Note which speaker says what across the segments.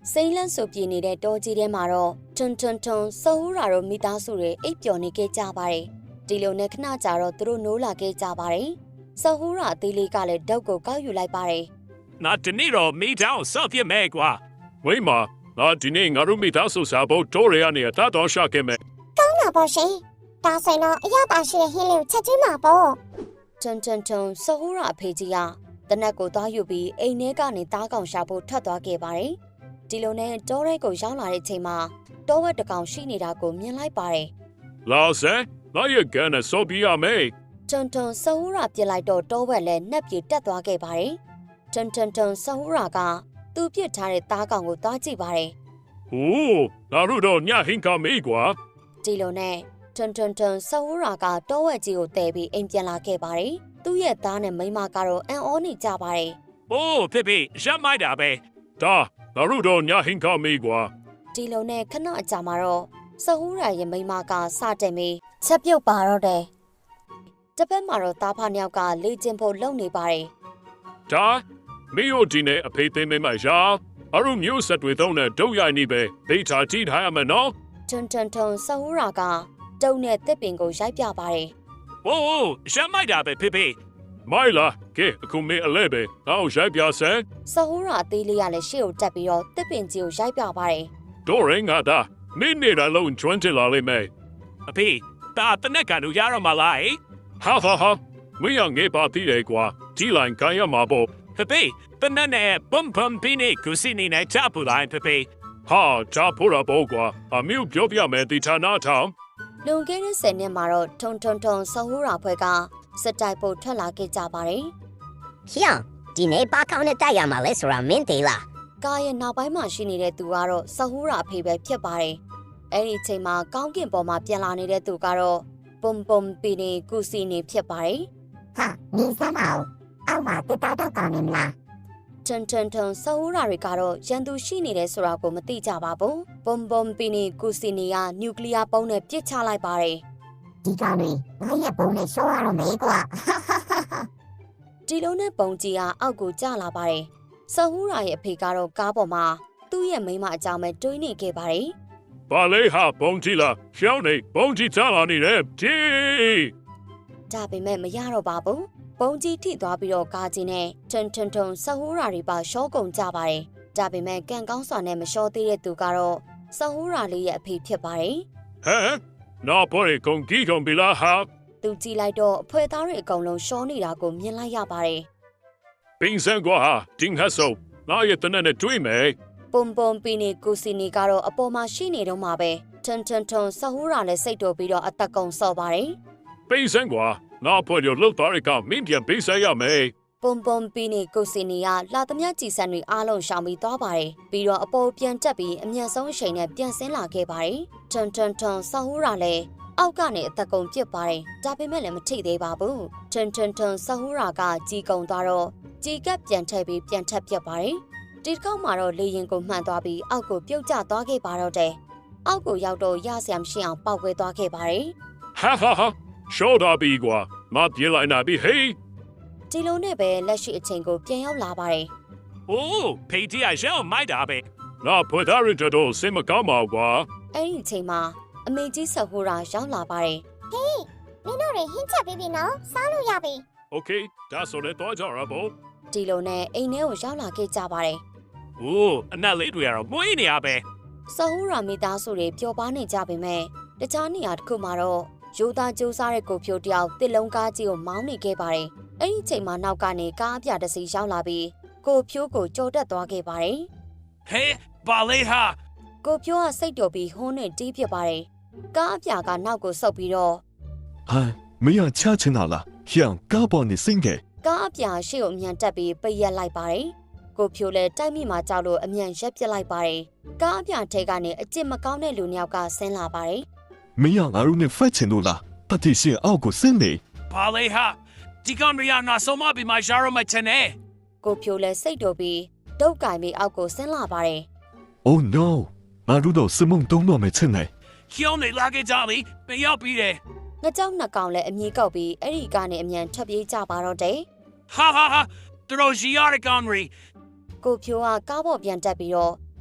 Speaker 1: စိမ့်လန့်ဆိုပြေနေတဲ့တောကြီးထဲမှာတော့ထွန်းထွန်းထွန်းစဟူရာတို့မိသားစုတွေအိပ်ပျော်နေခဲ့ကြပါတယ်။ဒီလိုနဲ့ခဏကြာတော့သူတို့နိုးလာခဲ့ကြပါတယ်။စဟူရာအသေးလေးကလည်းဓာတ်ကိုကောက်ယူလိုက်ပါတယ်။
Speaker 2: 那这里头没找少点没瓜，为嘛？那今年我都没打算下播多人呢，打多少个没？
Speaker 3: ကောင်းတာပေါ့ရှင်ဒါဆိုရင်တော့အရသာရှိတဲ့ဟင်းလေးကိုချက်ကျွေးမှာပေါ့
Speaker 1: ထွန်းထွန်းထွန်းစဟူရာအဖေကြီးကတနက်ကိုသွားယူပြီးအိမ်ထဲကနေသားကောင်ရှာဖို့ထွက်သွားခဲ့ပါတယ်။ဒီလိုနဲ့တောရဲကိုရောက်လာတဲ့အချိန်မှာတောဝက်တကောင်ရှိနေတာကိုမြင်လိုက်ပါတယ်
Speaker 2: 老师，那也跟那手比啊没？
Speaker 1: ။ထွန်းထွန်းစဟူရာပြစ်လိုက်တော့တောဝက်လည်းနှက်ပြေတက်သွားခဲ့ပါတယ်။ထွန်းထွန်းထွန်းစဟူရာကသူ့ပြစ်ထားတဲ့သားကောင်ကိုသွားကြည့်ပါတယ်
Speaker 2: 哦，那路头伢很高没瓜，
Speaker 1: ။ဒီလိုနဲ့ထွန်းထွန်းထွန်းစဟူရာကတောဝက်ကြီးကိုတဲပြီးအိမ်ပြန်လာခဲ့ပါတယ်။သူ့ရဲ့သားနဲ့မိန်းမကတော့အံ့ဩနေကြပါတယ်။
Speaker 2: 哦，皮皮，想买的呗？哒，那路头伢很高没瓜，
Speaker 1: ဒီလိုနဲ့ခဏအကြာမှာတော့စဟူရာရဲ့မိန်းမကစတင်ပြီးချက်ပြုတ်ပါတော့တယ်။တစ်ဖက်မှာတော့သားဖနှစ်ယောက်ကလေ့ကျင့်ဖို့လုပ်နေပါတယ်
Speaker 2: 哒，没有今年a皮得没买下，阿路没有实对头呢，都要你呗，被查起他们喏。
Speaker 1: ။ထွန်းထွန်းထွန်းစဟူရာကတုံနဲ့တစ်ပင်ကိုရိုက်ပြပါတယ်
Speaker 2: 哦，想买的呗，皮皮。买了，给，可没a来呗，然后再表示，
Speaker 1: ။စဟူရာအသေးလေးကလည်းရှေ့ကိုတက်ပြီးတော့တစ်ပင်ကြီးကိုရိုက်ပြပါတယ်
Speaker 2: 多人啊的，没你来弄转起来了没？阿皮，打的那个路亚了嘛来？好好好，没让你把地来挂，既然干要嘛不？皮皮，本来呢，蹦蹦比你可是你呢查不来，皮皮。哈，查不了不挂，啊没有表表没地查哪场？
Speaker 1: ။လွန်ခဲ့တဲ့10နှစ်မှာတော့ထွန်းထွန်းထွန်းစဟူရာဖွဲ့ကစစ်တိုက်ဖို့ထွက်လာခဲ့ကြပါတယ်
Speaker 4: ရှင်းဒီနေ့ဘာကောင်းနဲ့တိုက်ရမှာလဲဆိုတာမင်းသိလား
Speaker 1: ။ကားရဲ့နောက်ပိုင်းမှာရှိနေတဲ့သူကတော့စဟူရာအဖေပဲဖြစ်ပါတယ်။အဲ့ဒီအချိန်မှာကောင်းကင်ပေါ်မှာပြန်လာနေတဲ့သူကတော့ပုံပုံပီနေကုစီနေဖြစ်ပါတယ်
Speaker 3: ဟာမင်းစမ်းပါဦးအောက်မှာတက်တော့ကောင်းနေမလား
Speaker 1: ။ထွန်းထွန်းထွန်းစဟူရာတွေကတော့ရန်သူရှိနေတယ်ဆိုတာကိုမသိကြပါဘူး။ပုံပုံပီနေကုစီနေကနျူကလ িয়ার ပုံးနဲ့ပစ်ချလိုက်ပါတယ်
Speaker 3: ဒီကောင်တွေငါရဲ့ပုံနဲ့ရှော့ရတော့မေးကွာ
Speaker 1: ။ဒီလိုနဲ့ပုံကြီးကအောက်ကိုကျလာပါတယ်။စဟူရာရဲ့အဖေကတော့ကားပေါ်မှာသူ့ရဲ့မိန်းမအကြောင်းပဲတွေးနေခဲ့ပါတယ်
Speaker 2: 把雷哈蹦起了，小内蹦起咋了你嘞？鸡！
Speaker 1: ။ဒါပေမဲ့မရတော့ပါဘူး။ပုံကြီးထိသွားပြီးတော့ကားကြီးနဲ့ထွန်းထွန်းထွန်းစဟူရာတွေပါရှော့ကုန်ကြပါတယ်။ဒါပေမဲ့ကံကောင်းစွာနဲ့မလျှော့သေးတဲ့သူကတော့စဟူရာလေးရဲ့အဖေဖြစ်ပါတယ်
Speaker 2: 嘿，那不是公鸡公比拉哈？
Speaker 1: ။သူကြည့်လိုက်တော့အဖွဲသားတွေအကုန်လုံးရှော့နေတာကိုမြင်လိုက်ရပါတယ်
Speaker 2: 冰山瓜哈，金哈手，那也等那追没？
Speaker 1: ။ပုံပုံပီနေကုစီနီကတော့အပေါ်မှာရှိနေတော့မှာပဲ။ထွန်းထွန်းထွန်းစဟူရာလည်းစိတ်တော်ပြီးတော့အသက်ကုန်ဆော့ပါတယ်
Speaker 2: 冰山瓜，那不就老大一个，明天比赛要没？
Speaker 1: ။ပုံပုံပီနေကုစီနီကလာသမျှကြည်စံတွေအားလုံးရှောင်ပြီးသွားပါတယ်။ပြီးတော့အပေါ်ပြန်တက်ပြီးအမျက်ဆုံးအချိန်နဲ့ပြန်ဆင်းလာခဲ့ပါတယ်။ထွန်းထွန်းထွန်းစဟူရာလည်းအောက်ကနေအသက်ကုန်ပြစ်ပါတယ်။ဒါပေမဲ့လည်းမထိသေးပါဘူး။ထွန်းထွန်းထွန်းစဟူရာကကြီးကုံသွားတော့ကြီးကပ်ပြန်ထည့်ပြီးပြန်ထပ်ပြစ်ပါတယ်။ဒီတစ်ခေါက်မှာတော့လေရင်ကိုမှန်သွားပြီးအောက်ကိုပြုတ်ကျသွားခဲ့ပါတော့တယ်။အောက်ကိုရောက်တော့ရဆရာမရှိအောင်ပောက်ကွဲသွားခဲ့ပါတယ်
Speaker 2: 哈哈哈，少大比瓜，那别来那比嘿。
Speaker 1: ။ဒီလိုနဲ့ပဲလက်ရှိအချိန်ကိုပြန်ရောက်လာပါတယ်
Speaker 2: 哦，皮子还想买的呗？那不打人这都什么干嘛瓜？
Speaker 1: ။အဲ့ဒီအချိန်မှာအမေကြီးစဟူရာရောက်လာပါတယ်
Speaker 3: မင်းတို့တွေဟင်းချက်ပြီးပြီနော်စားလို့ရပြီ
Speaker 2: OK，打手的多少了不？
Speaker 1: ။ဒီလိုနဲ့အိမ်ထဲကိုရောက်လာခဲ့ကြပါတယ်
Speaker 2: 哦，那雷队啊，没你啊呗？
Speaker 1: ။စဟူရာမိသားစုတွေပျော်ပါနေကြပေမဲ့တခြားနေရာတစ်ခုမှာတော့ရိုးသားကြိုးစားတဲ့ကိုဖြိုတယောက်တစ်လုံးကားကြီးကိုမောင်းနေခဲ့ပါတယ်။အဲ့ဒီအချိန်မှာနောက်ကနေကားအပြတစ်စီးရောက်လာပြီးကိုဖြိုးကိုကြော်တက်သွားခဲ့ပါတယ်
Speaker 2: 嘿，把雷哈，
Speaker 1: ။ကိုဖြိုးကစိတ်တော်ပြီးဟွန်းနဲ့တီးဖြစ်ပါတယ်။ကားအပြကနောက်ကိုဆုပ်ပြီးတော့
Speaker 5: 哎，没让掐成哪了？让嘎巴你先给。
Speaker 1: ကားအပြရှေ့ကိုအမြန်တက်ပြီးပိတ်ရက်လိုက်ပါတယ်။ကိုဖြိုးလည်းတိုက်မိမှာကြောက်လို့အမြန်ရက်ပစ်လိုက်ပါတယ်။ကားအပြထဲကနေအကျစ်မကောင်းတဲ့လူနှစ်ယောက်ကဆင်းလာပါတယ်
Speaker 5: 没让阿鲁那发钱路了，他提醒奥古森的。
Speaker 2: 把雷哈，这个人呀，那什么比买小肉买钱呢？
Speaker 1: ။ကိုဖြိုးလည်းစိတ်တော်ပြီးဒုတ်ကင်ပြီးအောက်ကိုဆင်းလာပါတယ်
Speaker 5: Oh no！阿鲁到是梦东诺没成来。
Speaker 2: 叫你拉给家里，不要比的。
Speaker 1: ။ငကြောက်နှစ်ကောင်လည်းအမြည်ကောက်ပြီးအဲ့ဒီကနေအမြန်ထွက်ပြေးကြပါတော့တယ်
Speaker 2: 哈哈哈，都是要的干瑞。
Speaker 1: ။ကိုဖြိုးကကားပေါ်ပြန်တက်ပြီးတော့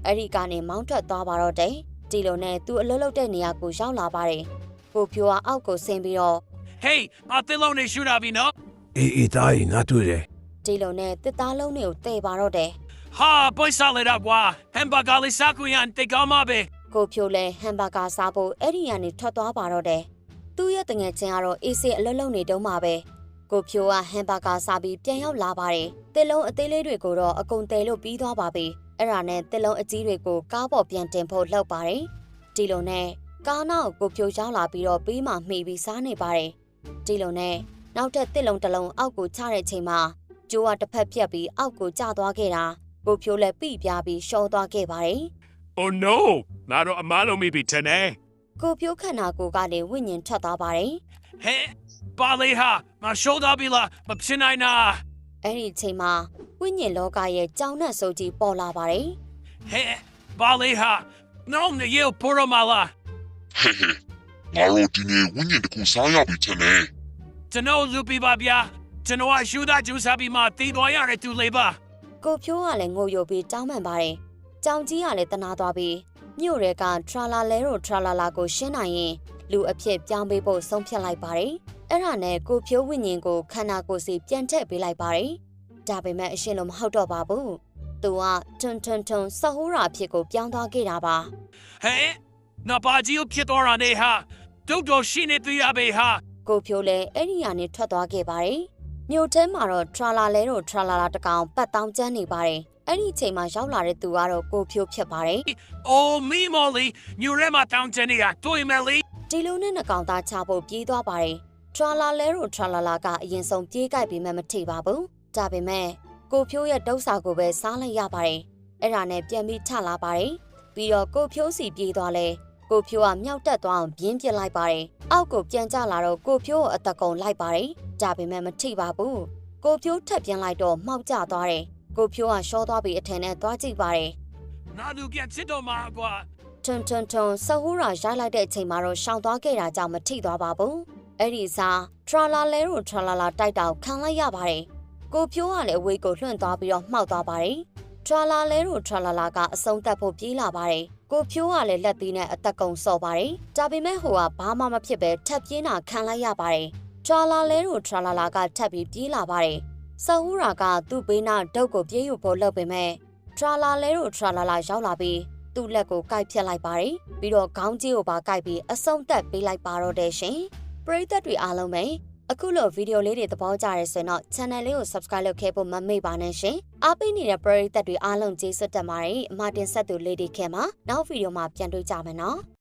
Speaker 1: အဲ့ဒီကနေမောင်းထွက်သွားပါတော့တယ်ဒီလိုနဲ့သူ့အလုပ်လုပ်တဲ့နေရာကိုရောက်လာပါတယ်ကိုဖြိုးကအောက်ကိုဆင်းပြီးတော့
Speaker 2: Hey, အသစ်လုံးနေရှူတာပြီနော်
Speaker 6: အေးသားကြီးငါတွေ့တယ်
Speaker 1: ဒီလိုနဲ့တစ်သားလုံးတွေကိုတည်ပါတော့တယ်
Speaker 2: ဟာပွိုက်စားလိုက်တာကွာဟမ်ဘာဂါလေးစားကွင်ရန်တိတ်ကောင်းပါပဲ
Speaker 1: ကိုဖြိုးလဲဟမ်ဘာဂါစားဖို့အဲ့ဒီကနေထွက်သွားပါတော့တယ်သူ့ရဲ့တငယ်ချင်းကတော့အေးစေးအလုပ်လုပ်နေတုန်းမှာပဲကိုဖြိုးကဟမ်ဘာဂါစားပြီးပြန်ရောက်လာပါတယ်တစ်လုံးအသေးလေးတွေကိုတော့အကုန်တဲလို့ပြီးသွားပါပြီအဲ့ဒါနဲ့တစ်လုံးအကြီးတွေကိုကားပေါ်ပြန်တင်ဖို့လုပ်ပါတယ်ဒီလိုနဲ့ကားနောက်ကိုဖြိုးရောက်လာပြီးတော့ပြီးမှမှီပြီးစားနေပါတယ်ဒီလိုနဲ့နောက်ထပ်တစ်လုံးတစ်လုံးအောက်ကိုချတဲ့ချိန်မှာကျိုးကတစ်ဖက်ပြက်ပြီးအောက်ကိုကျသွားခဲ့တာကိုဖြိုးလည်းပြပြပြီးရှော့သွားခဲ့ပါတယ်
Speaker 2: Oh no ငါတို့အမားလုံးမိပြီထင်တယ်
Speaker 1: ကိုဖြိုးခန္ဓာကိုယ်ကလည်းဝိညာဉ်ထွက်သွားပါတယ်
Speaker 2: ဟဲ့ပါလေဟာငါရှိုးသားပြီလားမဖြစ်နိုင်နာ
Speaker 1: အဲ့ဒီချိန်မှာဝိညာဉ်လောကရဲ့ကြောင်နဲ့စိုးကြီးပေါ်လာပါတယ်
Speaker 2: ဟဲ့ပါလေဟာနော်နေရပေါ်ရမလား
Speaker 7: ဟဲ့ဟဲ့ငါတို့ဒီနေ့ဝိညာဉ်တစ်ခုစားရပြီထင်တယ်
Speaker 2: ကျွန်တော်လူပြပါဗျာကျွန်တော်ရှူသားကျူစားပြီးမှတီးသွားရတဲ့သူလေးပါ
Speaker 1: ကိုဖြိုးကလည်းငိုယိုပြီးတောင်းပန်ပါတယ်ကြောင်ကြီးကလည်းတနာသွားပြီးမြို့ရဲကထရာလာလဲတို့ထရာလာလာကိုရှင်းနိုင်ရင်လူအဖြစ်ပြောင်းပေးဖို့ဆုံးဖြတ်လိုက်ပါတယ်အဲ့ဒါနဲ့ကိုဖြိုးဝိညာဉ်ကိုခန္ဓာကိုယ်စီပြန်ထည့်ပေးလိုက်ပါတယ်ဒါပေမဲ့အရှင်လုံးမဟုတ်တော့ပါဘူးသူကထွန်းဆဟိုးရာအဖြစ်ကိုပြောင်းသွားခဲ့တာပါ
Speaker 2: ဟဲ့နဘာကြီးကိုဖြစ်သွားတာနေဟာတို့တော့ရှိနေသေးရပဲဟာ
Speaker 1: ကိုဖြိုးလည်းအဲ့ဒီကနေထွက်သွားခဲ့ပါတယ်မြို့ထဲမှာတော့ထရာလာလဲတို့ထရာလာလာတကောင်ပတ်တောင်းကျန်းနေပါတယ်အဲ့ဒီအချိန်မှာရောက်လာတဲ့သူကတော့ကိုဖြိုးဖြစ်ပါတယ်
Speaker 2: အိုမီမိုလီညူရဲမတောင်းချင်နေတာတွေ့မယ်လေ
Speaker 1: ဒီလိုနဲ့နှကောင်သားချဖို့ပြေးသွားပါတယ်ထရာလာလဲတို့ထရာလာလာကအရင်ဆုံးပြေးကြိုက်ပြီးမှမထိပါဘူးဒါပေမဲ့ကိုဖြိုးရဲ့ဒုစရကိုပဲစားလိုက်ရပါတယ်အဲ့ဒါနဲ့ပြန်ပြီးထလာပါတယ်ပြီးတော့ကိုဖြိုးစီပြေးသွားလဲကိုဖြိုးကမြောက်တက်သွားအောင်ပြင်းပြစ်လိုက်ပါတယ်အောက်ကိုပြန်ကျလာတော့ကိုဖြိုးကိုအသက်ကုန်လိုက်ပါတယ်ဒါပေမဲ့မထိပါဘူးကိုဖြိုးထပ်ပြင်းလိုက်တော့မှောက်ကျသွားတယ်ကိုဖြိုးကရှောသွားပြီးအထင်နဲ့သွားကြည့်ပါတယ်
Speaker 2: နာဒူပြန်ချစ်တော့မှာကွာ
Speaker 1: ထွန်းဆဟိုးရာရိုက်လိုက်တဲ့အချိန်မှာတော့ရှောင်သွားခဲ့တာကြောင့်မထိသွားပါဘူးအဲ့ဒီစားထရာလာလဲတို့ထရာလာလာတိုက်တောက်ခံလိုက်ရပါတယ်ကိုဖြိုးကလည်းအဝေးကိုလွှင့်သွားပြီးတော့မှောက်သွားပါတယ်ထရာလာလဲတို့ထရာလာလာကအဆုံးသတ်ဖို့ပြေးလာပါတယ်ကိုဖြိုးကလည်းလက်သီးနဲ့အသက်ကုန်ဆော့ပါတယ်ဒါပေမဲ့ဟိုကဘာမှမဖြစ်ပဲထပ်ပြင်းတာခံလိုက်ရပါတယ်ထရာလာလဲတို့ထရာလာလာကထပ်ပြီးပြေးလာပါတယ်ဆဟိုးရာကသူ့ဘေးနားဒုတ်ကိုပြေးယူဖို့လုပ်ပေမဲ့ထရာလာလဲတို့ထရာလာလာရောက်လာပြီးသူ့လက်ကိုကိုက်ဖြတ်လိုက်ပါတယ်ပြီးတော့ခေါင်းကြီးကိုပါကိုက်ပြီးအဆုံးသတ်ပေးလိုက်ပါတော့တယ်ရှင်ပရိသတ်တွေအားလုံးပဲအခုလိုဗီဒီယိုလေးတွေသဘောကျရဲဆိုရင်တော့ channel လေးကို subscribe လုပ်ခဲ့ဖို့မမေ့ပါနဲ့ရှင်အားပေးနေတဲ့ပရိသတ်တွေအားလုံးကျေးဇူးတင်ပါတယ်အမတင်ဆက်သူလေးတွေခင်မှာနောက်ဗီဒီယိုမှာပြန်တွေ့ကြမယ်နော်